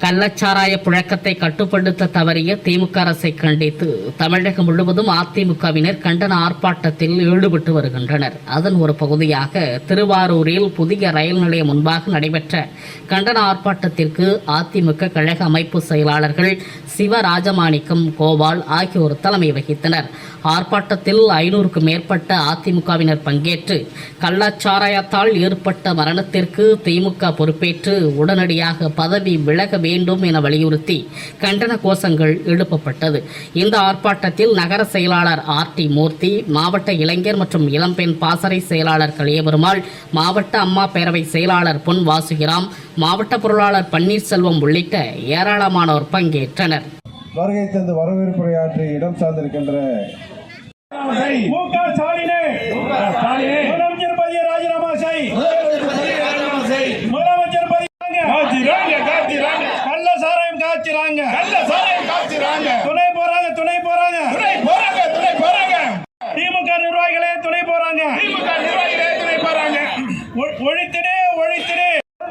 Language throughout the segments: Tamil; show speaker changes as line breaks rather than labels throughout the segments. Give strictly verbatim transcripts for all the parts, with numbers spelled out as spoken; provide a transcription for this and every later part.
கள்ளச்சாராய புழக்கத்தை கட்டுப்படுத்த தவறிய திமுக அரசை கண்டித்து தமிழகம் முழுவதும் அதிமுகவினர் கண்டன ஆர்ப்பாட்டத்தில் ஈடுபட்டு வருகின்றனர். அதன் ஒரு பகுதியாக திருவாரூரில் புதிய ரயில் நிலையம் முன்பாக நடைபெற்ற கண்டன ஆர்ப்பாட்டத்திற்கு அதிமுக கழக அமைப்பு செயலாளர்கள் சிவராஜமாணிக்கம், கோபால் ஆகியோர் தலைமை வகித்தனர். ஆர்ப்பாட்டத்தில் ஐநூறுக்கும் மேற்பட்ட அதிமுகவினர் பங்கேற்று கள்ளச்சாராயத்தால் ஏற்பட்ட மரணத்திற்கு திமுக பொறுப்பேற்று உடனடியாக பதவி விலக வேண்டும் என வலியுறுத்தி கண்டன கோஷங்கள் எழுப்பப்பட்டது. இந்த ஆர்ப்பாட்டத்தில் நகர செயலாளர் ஆர் டி மூர்த்தி, மாவட்ட இளைஞர் மற்றும் இளம்பெண் பாசறை செயலாளர் கலியபெருமாள், மாவட்ட அம்மா பேரவை செயலாளர் பொன் வாசுகிராம், மாவட்ட பொருளாளர் பன்னீர்செல்வம் உள்ளிட்ட ஏராளமானோர் பங்கேற்றனர்.
வருகை தந்து வரவேற்புரையாற்றி இடம் சார்ந்திருக்கின்ற
மு க ஸ்டாலினே முதலமைச்சர் பதவியை ராஜினாமா செய். முதலமைச்சர் கள்ள சாராயம் காய்ச்சிறாங்க, துணை போறாங்க துணை போறாங்க திமுக நிர்வாகிகளே துணை போறாங்க. ஒழித்திடே ஒழித்திடே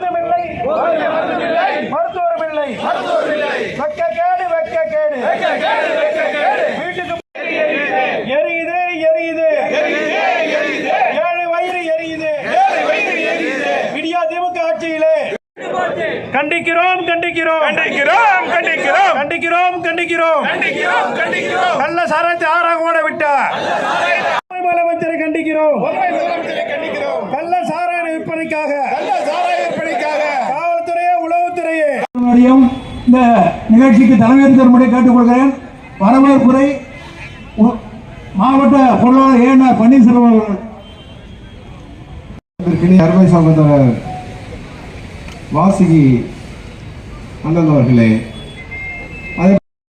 மருத்துவரும் இல்லை, வெக்க கேடு வெக்க கேடு வீட்டுக்கு எரியுது எரியுது ஏழு வயிறு எரியுது விடியா திமுக ஆட்சியிலே கண்டிக்கிறோம் கண்டிக்கிறோம் கண்டிக்கிறோம் கண்டிக்கிறோம் கண்டிக்கிறோம் கண்டிக்கிறோம் கண்டிக்கிறோம் கள்ள சாராயத்தை ஆறாக ஓட விட்டார் முதலமைச்சரை கண்டிக்கிறோம். கள்ள சாராய விற்பனைக்காக காவல்துறையே உளவுத்துறையே
இந்த நிகழ்ச்சிக்கு தலைமையேற்று தரும்படி கேட்டுக்கொள்கிறேன். வரவேற்புரை மாவட்ட பொருளாளர் ஏ என் ஆர் பன்னீர்செல்வம் அவர்கள்.
அருமை சகோதரர் வாசுகி அண்ணன் அவர்களே,